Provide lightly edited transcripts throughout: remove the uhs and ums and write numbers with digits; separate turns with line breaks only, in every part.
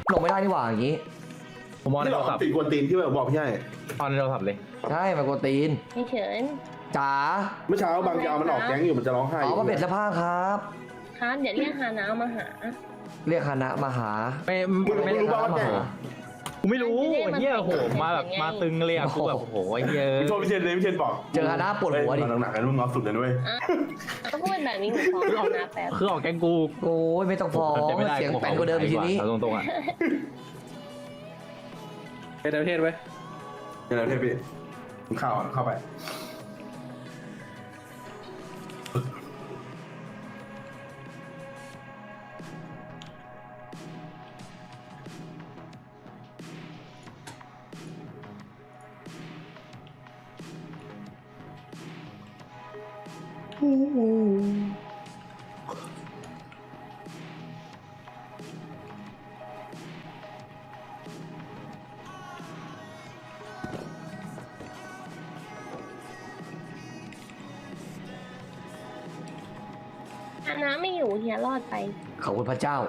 ลงไม่ได้นี่หว่าอย่างงี้
ผมมองใน
ที่
โท
หลอก
รศัพท์
ติดกวนตีนที่แบบบอกพี่ให้
ตอนในโทรศัพท์เลย
ใช่มันกวนตีน
ไม่เฉิน
จ๋า
เมื่อเช้าบางจะเอามันออกแก๊งอยู่มันจะร้องไห้
อ๋อมาเบ็ดเสื้อผ้าครับ
ครับเดี๋ยวเรียกฮานามาหา
เรียกคณะมาหา
ไม่
มึง
ไม่
รู้ป่าวว่าแก๊ง
กูไม่รู้ไอ้เหี้ยโหมาแบบมาตึงเลยอ่ะกูแบบโอ้โหไอ้เหี้ย
พี่โทษพี่เชนเลยพี่เชนบอก
เจอคณะปวดหัวดิ
หนักๆกันรุ่นน้องสุดเลยด้วย
ก็พูดแบบนี้หนูฟ้องฮานาแป๊บ
คือออกแกงกู
โอ้ยไม่ต้องฟ้อง
แต่ไม่ได้
เสียงแปลงกว่าเดิมอีกทีนี้
เอาตรงๆอ่ะ
เป็นประเทศไว้
เดี๋ยวเทพพี่มึงเข้าไป
ฮานาไม่อยู่เฮียรอดไป
ขอบคุณพระเจ้า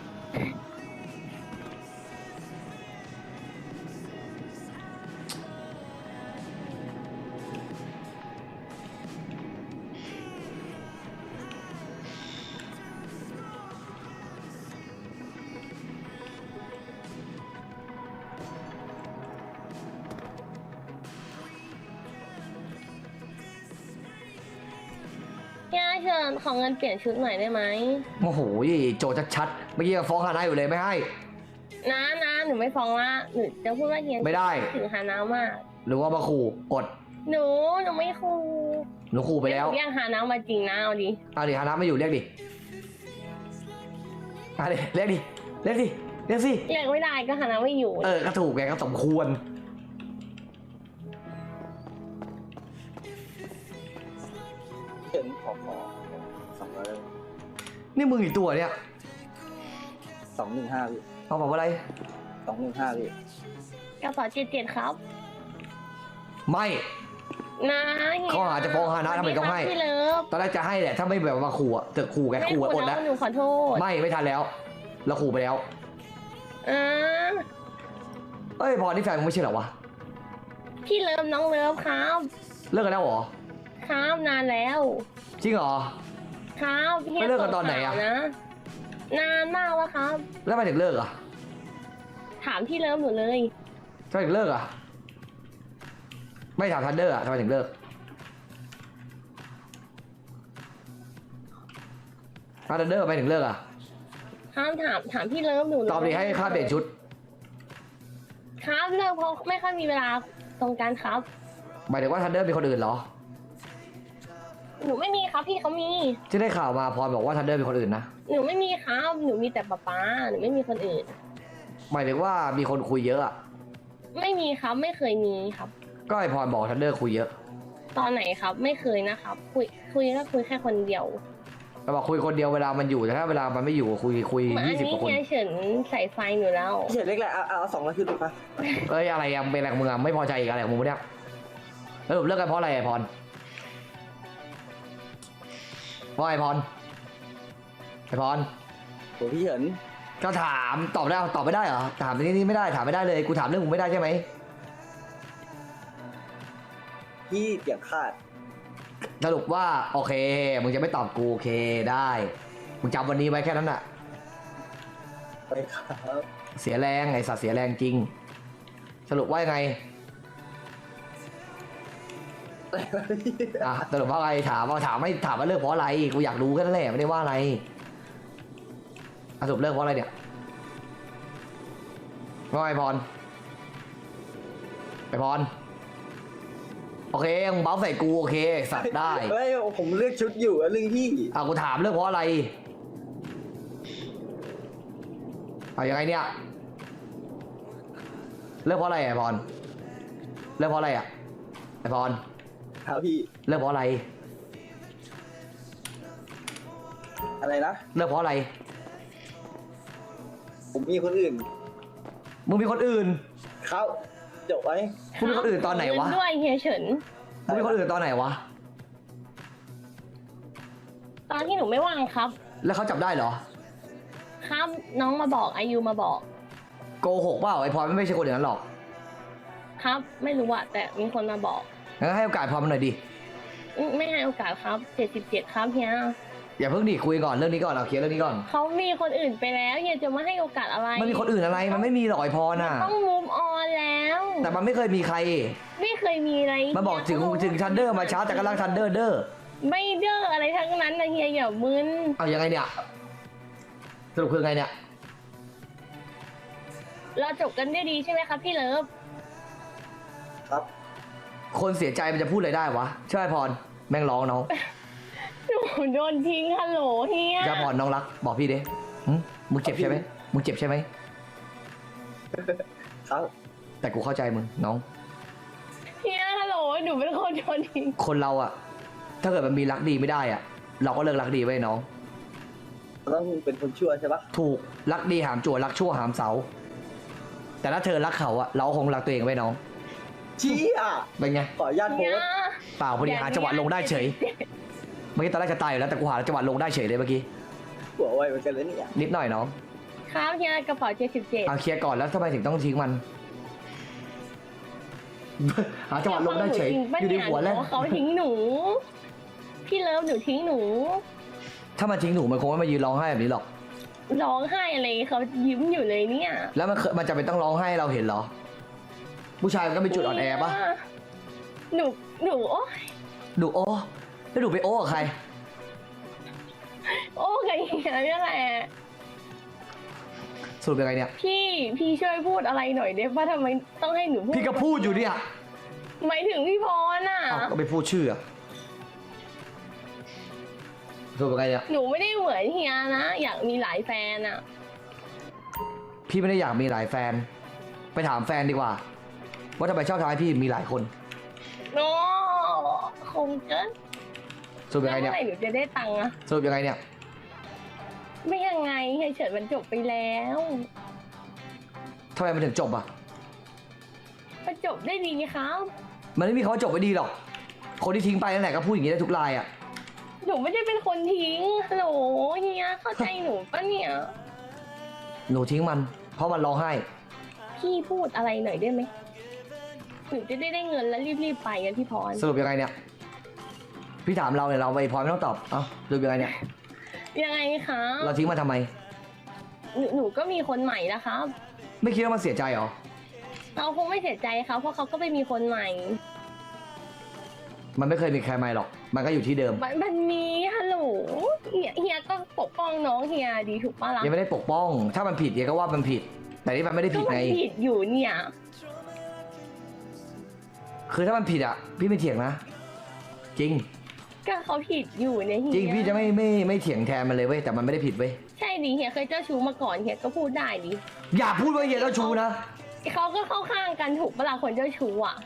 เฮียเชิญขอเงินเปลี่ยนชุดหน่อยได้ไหม
โอ้โหโจชัดๆเมื่อกี้ยังฟ้องคณะอยู่เลยไม่ให้
นะหนูไม่ฟ้องละหนูจะพูดว่าเฮีย
ไม่ได้
ถึงฮานามาก
หรือว่ามาขู่อด
หนูไม่คู
หนูขู่ไปแล้ว
เรียกฮานามาจริงนะเอาดิ
เอาดิคณะไม่อยู่เรียกดิเอาดิเรียกดิเรียกดิเรียกสิ
เรียกไม่ได้ก็ฮานาไม่อยู่
ก็ถูกไงก็สมควร
เห็นขอ200
นี่มึงอีกตัวเนี่ย
215พี่
เอาบอกว่าอะไร
215พี่
กระเป๋า77ครับ
ไม่
นะเฮีย
ข้อหาจะฟ้องฮานะทำไมต้องให้
พี่เลิฟ
ตอนแรกจะให้แหละถ้าไม่แบบมาขู่อะเถอะขู่แก
ไม่
ขู่อะอ
คุ
ด
ณ
แล้ว
แล้วหนูขอโทษ
ไม่ทันแล้วเราขู่ไปแล้ว
อ่า
เอ้ยพอนี่แฟนมึงไม่ใช่เหรอวะ
พี่เลิฟน้องเลิฟครับ
เลิกกันแล้วเหรอ
ครับนานแล้ว
จริงเหรอ
ครับฮีย
ไม่เลิกกันตอนไหนอะ
ส่งข่าวนะนานมากแล้วครับ
แล้วทำไมถึงเลิกอ่ะ
ถามพี่เลิฟหนูเลย
ทำไมถึงเลิกอ่ะไม่ถามทันเดอร์อ่ะทำไมถึงเลิกทันเดอร์ทำไมถึงเลิกอ่ะ
ครับถามพี่เลิฟหนูเลย
ตอบดีให้ค่าเปลี่ยนชุด
ครับเลิกเพราะไม่ค่อยมีเวลาตรงกันครับ
หมายถึงว่าทันเดอร์มีคนอื่นเหรอ
หนูไม่มีครับพี่เขามี
ที่ได้ข่าวมาพรบอกว่าทันเดอร์มีคนอื่นนะ
หนูไม่มีครับหนูมีแต่ป๊าหนูไม่มีคนอื่น
หมายถึงว่ามีคนคุยเยอะอ่ะ
ไม่มีครับไม่เคยมีครับ
ก็ไอพรบอกทันเดอร์คุยเยอะ
ตอนไหนครับ ไม่เคยนะครับ คุยก็คุยแค่คนเดียว
เราบอกคุยคนเดียวเวลามันอยู่แต่ถ้าเวลามันไม่อยู่คุย
เหมือนอัน
20
นี้
กว่าคน
เฮียเฉินใส่ไฟหนูแล้ว
เฉยเล็กแหละเอา200ขึ้นไปปะ
เอ้ยอะไรยังเป็นอะไรของมึงอ่ะไม่พอใจอีกอะไรของมึงวะเนี่ยเลิกกันเพราะอะไรไอพรเพราะไอพรไอพร
โหพี่เห็น
ก็ถามตอบได้ตอบไม่ได้เหรอถามนี่ไม่ได้ถามไม่ได้เลยกูถามเรื่องมึงไม่ได้ใช่ไหม
พี่เสียงขาด
สรุปว่าโอเคมึงจะไม่ตอบกูโอเคได้มึงจำวันนี้ไว้แค่นั้นน่ะ
ไปครับ
เสียแรงไอสัตว์เสียแรงจริง สรุปว่ายังไงอ่ะสรุปว่าอะไรถามไม่ถามว่าเลิกเพราะอะไรกูอยากรู้แค่นั้นแหละไม่ได้ว่าอะไรอ่ะสรุปเลิกเพราะอะไรเนี่ยว่าไงพรไอพรโอเคมึงเบ้าใส่กูโอเคสัตว์ได้
เฮ้ยผมเลือกชุดอยู่เรื่องพี่
กูถามเรื่องเพราะอะไรยังไงเนี่ยเลิกเพราะอะไรไอพรเลิกเพราะอะไรอ่ะไอพร
ครับพี่
เลิกเพราะอะไร
อะไรนะ
เลิกเพราะอะไร
ผมมีคนอื่น
มึงมีคนอื่น
เขาจบไว้
มึงมีคนอื่นตอนไหนวะ
เงิด้วยเฮียเฉิน
มึงมีคนอื่นตอนไหนวะ
ตอนที่หนูไม่ว่างครับ
แล้วเขาจับได้เหรอ
ครับน้องมาบอกอายุมาบอก
โกหกเปล่าไอ้พลอยไม่ใช่คนอย่างนั้นหรอก
ครับ ไม่รู้อะแต่มีคนมาบอก
งั้นให้โอกาสพลอยมันหน่อยดิ
ไม่ให้โอกาสครับ77ครับเฮีย
อย่าเพิ่งดิคุยก่อนเรื่องนี้ก่อนเอาเคลียร์เรื่องนี้ก่อน
เขามีคนอื่นไปแล้วเฮียจะมาให้โอกาสอะไร
มันมีคนอื่นอะไรมันไม่มีหรอกไอ้พรน่ะ
ต้อง move on แล้ว
แต่มันไม่เคยมีใคร
ไม่เคยมีอะไร
มาบอกถึงทันเดอร์มาช้าแต่กำลังทันเดอร์เด้อ
ไม่เด้ออะไรทั้งนั้นนะเฮียอย่ามึน
เอายังไงเนี่ยสรุปคือไงเนี่ย
เราจบกันได้ดีใช่ไหมครับพี่เลิฟ
ครับ
คนเสียใจมันจะพูดอะไรได้วะใช่ไหมพรแม่งร้องน้อง
หนูโดนทิ้งฮัลโหลเฮีย
จะพรน้องรักบอกพี่ดิหึมึงเจ็บใช่ไหมมึงเจ็บใช่ไหม
ครับ
แต่กูเข้าใจมึงน้อง
เฮียฮัลโหลหนูเป็นคนโดนทิ้ง
คนเราอะถ้าเกิดมันมีรักดีไม่ได้อะเราก็เลิกรักดีไว้น้อง
ต้องเป็นคนชั่วใช่ปะ
ถูกรักดีหามจั่วรักชั่วหามเสา แต่ถ้าเธอรักเขาอะเราคงรักตัวเองไว้น้อง
ชี้อ่ะ
เป็นไง
ขออนุญาตโพ
เฮีย
สต์
เปล่าพอดีหาจังหวะลงได้เฉย เมื่อกี้ตอนแรกจะตายอยู่แล้วแต่กูหาจังหวะลงได้เฉยเลยเมื่อกี้
หัวไวเหมือนกันเลยเนี่ย
นิดหน่อยน้อง
ครับเฮียกระเป๋า77
เอาเคลียร์ก่อนแล้วทำไมถึงต้องทิ้งมัน หาจังหวะลงได้เฉยอยู่ในหัวแล้ว
เขาทิ้งหนู พี่เลิฟหนูทิ้งหนู
ถ้ามันทิ้งหนูมันคงไม่มายืนร้องไห้แบบนี้หรอก
ร้องไห้อะไรเขายิ้มอยู่เลยเนี่ย
แล้วมันจะเป็นต้องร้องไห้ให้เราเห็นเหรอ ผู้ชายมันก็มีจุดอ่อนแอปะ
หนูโอ้ย
ดูโอ้แล้วดูไปโอ้กับใคร
โอ้ไงเฮียนี่แหละ
สรุปยังไงเนี่ย
พี่ช่วยพูดอะไรหน่อยได้ป่ะทำไมต้องให้หนูพูด
พี่ก็พูดอยู่เนี่ย
หมายถึงพี่พรน่ะ
เอ้าก็ไปพูดชื่ออะสรุปยังไงเนี่ย
หนูไม่ได้เหมือนเฮียนะ อยากมีหลายแฟนอ่ะ
พี่ไม่ได้อยากมีหลายแฟน ไปถามแฟนดีกว่า ว่าทำไมชอบทำให้พี่มีหลายคน
โน้คงเกิน
สรุปยังไง
เมื่
เนี่ย
อไหร่หนูจะได้ตังค์อะ
สรุปยังไงเนี่ย
ไม่ยังไงเฮียเฉิดมันจบไปแล้ว
ทำไมมันถึงจบอ่ะ
มันจบได้ดีครับ
มันไม่มีคำว่าจบไปดีหรอก คนที่ทิ้งไปนั่นแหละก็พูดอย่างนี้ได้ทุกรายอ่ะ
หนูไม่ได้เป็นคนทิ้งฮัลโหลเฮียเข้าใจหนูปะเนี่ย
หนูทิ้งมัน เพราะมันร้องไห้
พี่พูดอะไรหน่อยได้ไหมหนูจะได้เงินแล้วรีบๆไปกันพี่พร
สรุปยังไงเนี่ย พี่ถามเราเนี่ยเราไปพรไม่ต้องตอบ เอ้าสรุปยังไงเนี่ย
ยังไงคะ
เราทิ้งมันทำไม
หนูก็มีคนใหม่นะครับ
ไม่คิดว่ามันเสียใจเหรอ
เราคงไม่เสียใจครับเพราะเขาก็ไปมีคนใหม่
มันไม่เคยมีใครใหม่หรอก มันก็อยู่ที่เดิม
มันมีฮัลโหลเฮียก็ปกป้องน้องเฮียดีถูกปะล่ะ
ยังไม่ได้ปกป้อง ถ้ามันผิดเดี๋ยวก็ว่ามันผิด แต่นี่มันไม่ได้
ก็
ผิด
มัน
ไง
ผิดอยู่เนี่ย
คือถ้ามันผิดอ่ะ พี่ไม่เถียงนะ จริง
ก็เขาผิดอยู่เนี่ยเฮีย
จริงพี่จะไม่เถียงแทนมันเลยเว้ย แต่มันไม่ได้ผิดเว้ย
ใช่ดิเฮียเคยเจ้าชู้มาก่อนเฮียก็พูดได้ดิ
อย่าพูดว่าเฮียเจ้าชู้นะ
เขาก็เข้าข้างกันถูกปะล่ะคนเจ้าชู้อ่ะ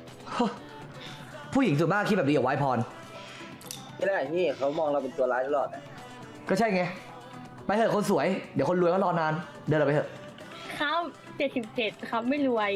ผู้หญิงส่วนมากคิดแบบนี้อย่าไว้พร
ไม่ได้พี่เขามองเราเป็นตัวร้ายตลอดนะ
ก็ใช่ไง ไปเถอะคนสวย เดี๋ยวคนรวยก็รอนาน เดินเราไปเถอะ
ครับ77ครับไม่รวย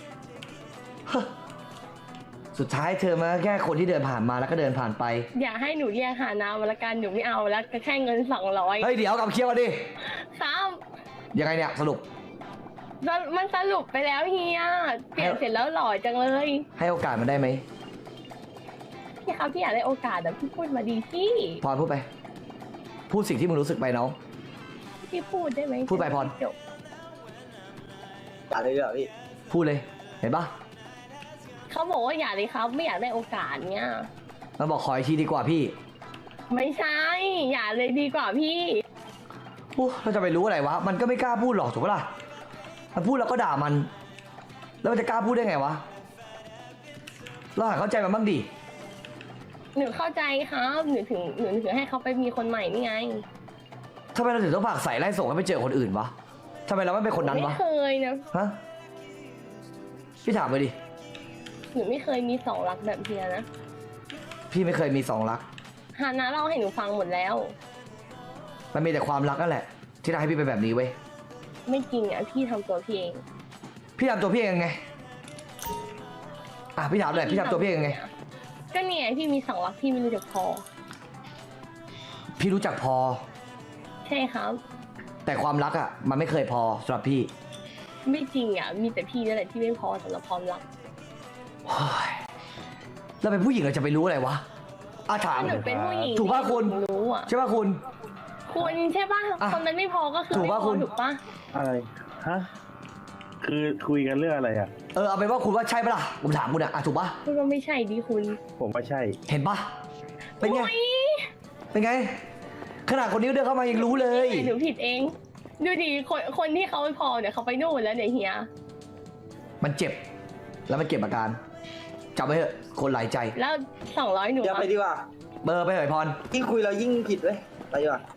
สุดท้ายเธอมาแค่คนที่เดินผ่านมาแล้วก็เดินผ่านไป
อย่าให้หนูเรียกหาน้ำมาละกันหนูไม่เอาแล้วก็แค่เงิน200
เฮ้ยเดี๋ยวกลับเคลียร์มาดิ
ครับ
ยังไงเนี่ยสรุป
มันสรุปไปแล้วเฮียเปลี่ยนเสร็จแล้วหล่อจังเลย
ให้โอกาสมันได้ไหม
พี่ครับพี่อยากได้โอกาสแต่พี่พูดมาดีพี่
พรพูดไป พูดสิ่งที่มึงรู้สึกไปน้อง
พี่พูดได้ไหม
พูดไปพร
จบ
อย่าเลยเหรอพี่
พูดเลย เห็นปะ
เขาบอกว่าอย่าเลยครับไม่อยากได้โอกาสเนี้ย
มันบอกขออีกทีดีกว่าพี่
ไม่ใช่ อย่าเลยดีกว่าพี่
โอ้เราจะไปรู้อะไรวะ มันก็ไม่กล้าพูดหรอกถูกปะล่ะ มันพูดแล้วก็ด่ามัน แล้วมันจะกล้าพูดได้ไงวะ เราหาเข้าใจมันบ้างดิ
หนูเข้าใจครับหนูถึงให้เขาไปมีคนใหม่นี่ไง
ทำไมเราถึงต้องผลักใส่ไล่ส่งให้ไปเจอคนอื่นวะทำไมเราไม่เป็นคนนั้น
ไม่
วะ
เคยนะ
ฮะ พี่ถามไปดิ
หนูไม่เคยมีสองรักแบบเฮียนะ
พี่ไม่เคยมีสองรัก
ฮานะเล่าให้หนูฟังหมดแล้ว
มันมีแต่ความรักนั่นแหละ ที่ทำให้พี่เป็นแบบนี้เว้ย
ไม่จริงอ่ะพี่ทำตัวพี่เอง
พี่ทำตัวพี่เองยังไง อ่ะพี่ถามหน่อยพี่ทำตัวพี่เองยังไง
ก็เนี่ยพี่มีสองรักพี่ไม่รู้จักพอ
พี่รู้จักพอ
ใช่ครับ
แต่ความรักอ่ะ มันไม่เคยพอสำหรับพี่
ไม่จริงอ่ะมีแต่พี่นั่นแหละที่ไม่พอสำหรับความรัก
โอ้ยเราเป็นผู้หญิงเราจะไปรู้อะไรวะถาม
ถ้าหนูเป็นผู้หญิง
ถูกป่ะคุณ
รู้อ่ะ
ใช่ป่ะคุณ
คุณใช่ป่ะ
อ่ะ
คนมันไม่พอก็คือ
ถูก
ไม่
ป่ะ
พ
คุ
อ
ณ
ถูกป่ะ
อะไร ฮะ คือคุยกันเรื่องอะไรอ่ะ
เอาเป็นว่าคุณว่าใช่ปะล่ะผมถามคุณถูกป่ะ
คุณว่าไม่ใช่ดิคุณ
ผมว่าใช่
เห็นป่ะเป็นไง
โอ๊ย
เป็นไง ขนาดคนนี้เดินเข้ามายังรู้เลย
หนูผิดเอง ดูดิคนที่เขาไม่พอเนี่ยเขาไปนู่นแล้วเนี่ยเฮีย
มันเจ็บ แล้วมันเก็บอาการจำไว้เถอะคนหลายใจ
แล้ว200หนู
อย่าไป
อะ
ดีกว่า
เบอร์ไปเหยพร
ยิ่งคุยเรายิ่งผิดเว้ยไปดีกว่า